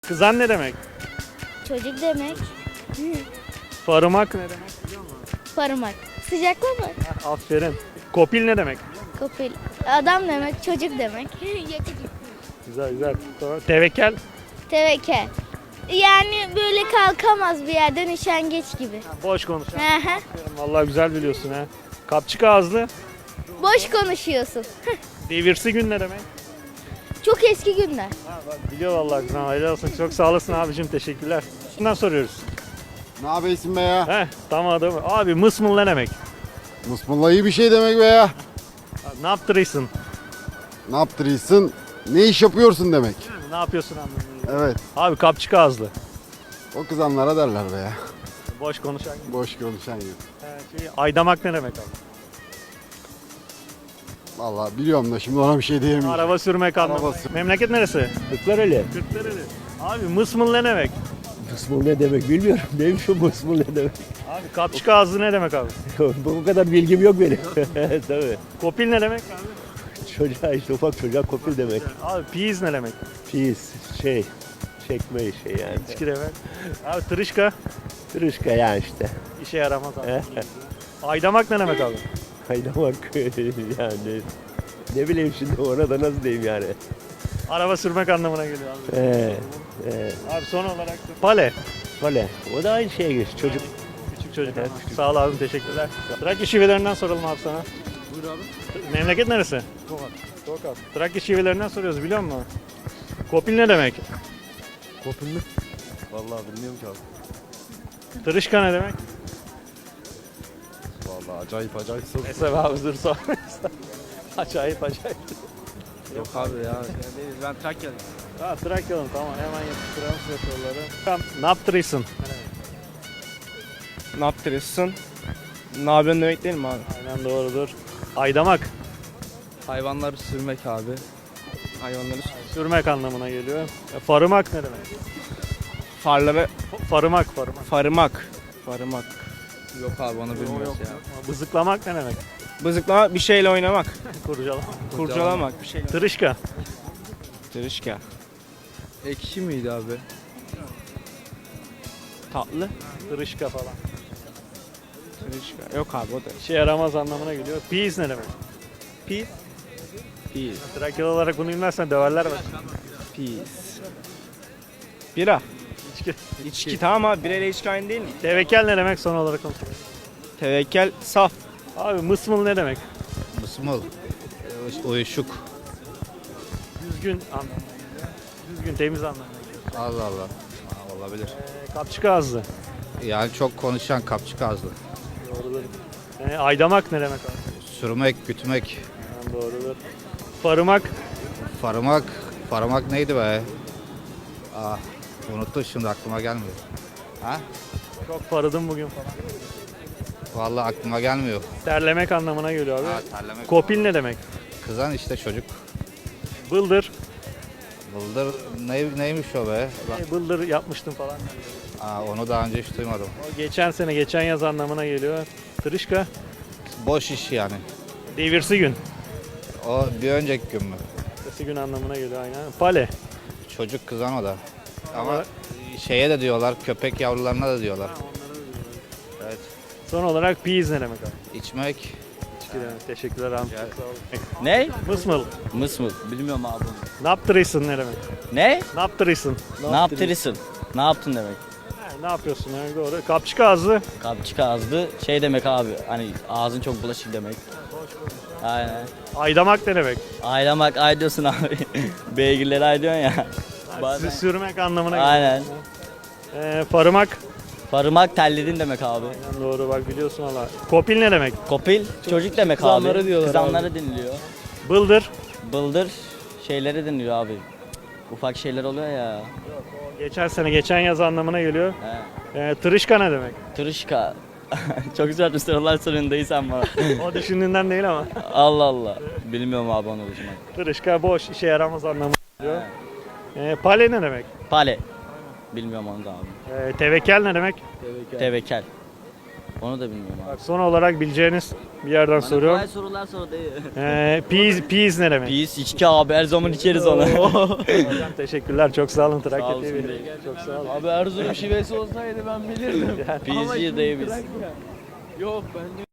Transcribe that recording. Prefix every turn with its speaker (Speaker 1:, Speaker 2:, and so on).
Speaker 1: Kızan ne demek?
Speaker 2: Çocuk demek.
Speaker 1: Farımak ne demek biliyor musun?
Speaker 2: Parmak. Sıcaklamak.
Speaker 1: Aferin. Kopil ne demek?
Speaker 2: Kopil. Adam demek. Çocuk demek. Yakıcı.
Speaker 1: Güzel güzel. Tamam. Tevekel.
Speaker 2: Tevekel. Yani böyle kalkamaz bir yerden üşengeç gibi.
Speaker 1: Boş konuşan.
Speaker 2: Hı hı.
Speaker 1: Vallahi güzel biliyorsun ha. Kapçık ağızlı.
Speaker 2: Boş konuşuyorsun.
Speaker 1: Devirsi gün ne demek?
Speaker 2: Çok eski günler.
Speaker 1: Ha, bak, biliyor vallahi kızım. Hayırlı olsun. Çok sağ olasın abicim. Teşekkürler. Bundan soruyoruz.
Speaker 3: Ne yapıyorsun be ya?
Speaker 1: Tamam adam. Abi mısmıl ne demek?
Speaker 3: Musmulla iyi bir şey demek be ya.
Speaker 1: Ne yaptırıysın?
Speaker 3: Ne yaptırıyorsun? Ne iş yapıyorsun demek.
Speaker 1: Ne yapıyorsun anlamında.
Speaker 3: Evet.
Speaker 1: Abi kapçık ağızlı.
Speaker 3: O kızanlara derler be ya.
Speaker 1: Boş konuşan.
Speaker 3: Boş konuşan gibi.
Speaker 1: Aydamak ne demek abi?
Speaker 3: Vallahi biliyorum da şimdi ona bir şey diyemeyeceğim.
Speaker 1: Araba sürmek anlamında.
Speaker 3: Araba sür-
Speaker 1: Memleket neresi?
Speaker 4: Kırklareli.
Speaker 1: Kırklareli. Abi mısmıl ne demek?
Speaker 4: Mısmul ne demek bilmiyorum. Neymiş o mısmul ne demek?
Speaker 1: Abi kapçık ağızlı ne demek abi?
Speaker 4: Bu kadar bilgim yok benim. Tabii.
Speaker 1: Kopil ne demek abi?
Speaker 4: Çocuğa işte ufak çocuğa kopil demek.
Speaker 1: Abi piyiz ne demek?
Speaker 4: Pis çekme şey yani.
Speaker 1: İçki demek. Abi tırışka
Speaker 4: Tırışka yani işte.
Speaker 1: işe yaramaz abi. Aydamak ne demek abi?
Speaker 4: Kaynamak yani. Ne bileyim şimdi ona da nasıl diyeyim yani.
Speaker 1: Araba sürmek anlamına geliyor abi. Abi son olarak da pale.
Speaker 4: Böyle. O da aynı şeye geç çocuk.
Speaker 1: Küçük çocuk.
Speaker 4: Evet,
Speaker 1: Küçük. Sağ ol abim teşekkürler. Trakya şivelerinden soralım abi sana.
Speaker 5: Buyur abi.
Speaker 1: Memleket neresi?
Speaker 5: Tokat.
Speaker 1: Tokat. Trakya şivelerinden soruyoruz biliyor musun? Kopil ne demek?
Speaker 5: Kopil mi? Vallahi bilmiyorum ki abi.
Speaker 1: Tırışka ne demek?
Speaker 5: Vallahi acayip soru.
Speaker 1: Neyse abi dur sor. Acayip.
Speaker 5: Yok abi ya. Ben Trakya'lıyım.
Speaker 1: Ha Trakya'lım tamam hemen yapıştıralım size soruları. Tamam, ne yaptırıysın?
Speaker 6: Ne yaptırıyorsun? Ne yapıyorsun demek değil mi abi?
Speaker 1: Aynen doğrudur. Aydamak.
Speaker 6: Hayvanları sürmek abi. Hayvanları
Speaker 1: Sürmek anlamına geliyor. Farımak ne demek?
Speaker 6: farları
Speaker 1: Farımak.
Speaker 6: farımak. Yok abi onu bilmiyoruz ya.
Speaker 1: Bızıklamak ne demek?
Speaker 6: Bızıklamak bir şeyle oynamak.
Speaker 1: Kurcalamak.
Speaker 6: Kurcalamak bir şeyle.
Speaker 1: Tırışka.
Speaker 6: Tırışka.
Speaker 5: Ekşi miydi abi?
Speaker 6: Tatlı.
Speaker 1: Tırışka falan.
Speaker 6: Tırışka. Yok abi o da.
Speaker 1: İşe yaramaz anlamına geliyor. Piyiz ne demek?
Speaker 6: Pis. Pis.
Speaker 1: Trakyalı olarak bunu bilmezsen döverler bak.
Speaker 6: Pis. Bira.
Speaker 1: İçki.
Speaker 6: İçki tamam abi. Bira ile içki aynı değil mi?
Speaker 1: Tevekel ne demek son olarak konuşalım.
Speaker 6: Tevekkel saf.
Speaker 1: Abi mısmıl ne demek?
Speaker 7: Mısmıl, uyuşuk.
Speaker 1: Düzgün anlamına geliyor. Düzgün temiz anlamına geliyor.
Speaker 7: Allah Allah. Ha, olabilir.
Speaker 1: Kapçık ağızlı.
Speaker 7: Yani çok konuşan kapçık ağızlı.
Speaker 1: Doğrudur. Aydamak ne demek abi?
Speaker 7: Sürmek, gütmek,
Speaker 1: Yani doğrudur. Farımak.
Speaker 7: faramak neydi be? Ah, unuttum şimdi aklıma gelmiyor. Ha?
Speaker 1: Çok farıdım bugün falan.
Speaker 7: Vallahi aklıma gelmiyor.
Speaker 1: Terlemek anlamına geliyor abi.
Speaker 7: Ha, terlemek.
Speaker 1: Kopil ne demek?
Speaker 7: Kızan işte çocuk.
Speaker 1: Bıldır.
Speaker 7: Bıldır neymiş o be?
Speaker 1: Bıldır yapmıştım falan.
Speaker 7: Aa, onu daha önce hiç duymadım.
Speaker 1: O geçen yaz anlamına geliyor. Tırışka.
Speaker 7: Boş iş yani.
Speaker 1: Devirsi gün.
Speaker 7: O bir önceki gün mü?
Speaker 1: Devirsi gün anlamına geliyor aynen. Pale.
Speaker 7: Çocuk kızan o da. Ama şeye de diyorlar, köpek yavrularına da diyorlar. Evet.
Speaker 1: Son olarak piyiz ne demek abi?
Speaker 7: İçmek,
Speaker 1: İçki demek. Teşekkürler abi.
Speaker 7: Rica
Speaker 1: Çok sağ olun.
Speaker 8: Ne?
Speaker 1: Mısmıl.
Speaker 8: Mısmıl. Bilmiyorum abi.
Speaker 1: Ne yaptırıysın ne demek?
Speaker 8: Ne?
Speaker 1: Ne yaptırıysın?
Speaker 8: Ne yaptırırsın? Ne yaptın demek.
Speaker 1: Ne yapıyorsun yani doğru. Kapçık ağızlı.
Speaker 8: Kapçık ağızlı şey demek abi. Hani ağzın çok bulaşık demek. Aynen.
Speaker 1: Aydamak ne demek?
Speaker 8: Aylamak ay diyorsun abi. Beygirleri ay diyorsun ya. Bazen-
Speaker 1: Sürmek anlamına geliyor.
Speaker 8: Aynen.
Speaker 1: Farımak.
Speaker 8: Farımak telledin demek abi.
Speaker 1: Aynen doğru bak biliyorsun valla. Kopil ne demek?
Speaker 8: Kopil çocuk demek abi.
Speaker 6: Kızanları diyorlar
Speaker 8: Kızanları dinliyor.
Speaker 1: Bıldır.
Speaker 8: Bıldır şeyleri dinliyor abi. Ufak şeyler oluyor ya.
Speaker 1: Geçen yaz anlamına geliyor.
Speaker 8: He.
Speaker 1: Tırışka ne demek?
Speaker 8: Tırışka. Çok güzel bir sorular soruyorsun dayı sen bana.
Speaker 1: O düşündüğünden değil ama.
Speaker 8: Allah Allah. Bilmiyorum abi onu uzman.
Speaker 1: Tırışka boş işe yaramaz anlamına geliyor. Pale ne demek?
Speaker 8: Pale. Bilmiyorum onu da abi.
Speaker 1: Tevekel ne demek?
Speaker 8: Tevekel. Onu da bilmiyorum abi.
Speaker 1: Bak, son olarak bileceğiniz bir yerden soruyorum.
Speaker 8: Kolay sorular sor dayı.
Speaker 1: Peas ne demek?
Speaker 8: Biz içki abi her zaman içeriz onu.
Speaker 1: Hocam teşekkürler. Çok sağ olun.
Speaker 8: Sağ
Speaker 1: Trakya
Speaker 8: olsun
Speaker 1: TV.
Speaker 8: dayı.
Speaker 1: Çok sağ olun.
Speaker 6: Abi Erzurum şivesi olsaydı ben bilirdim.
Speaker 8: Biz dayı biz.
Speaker 6: Yok ben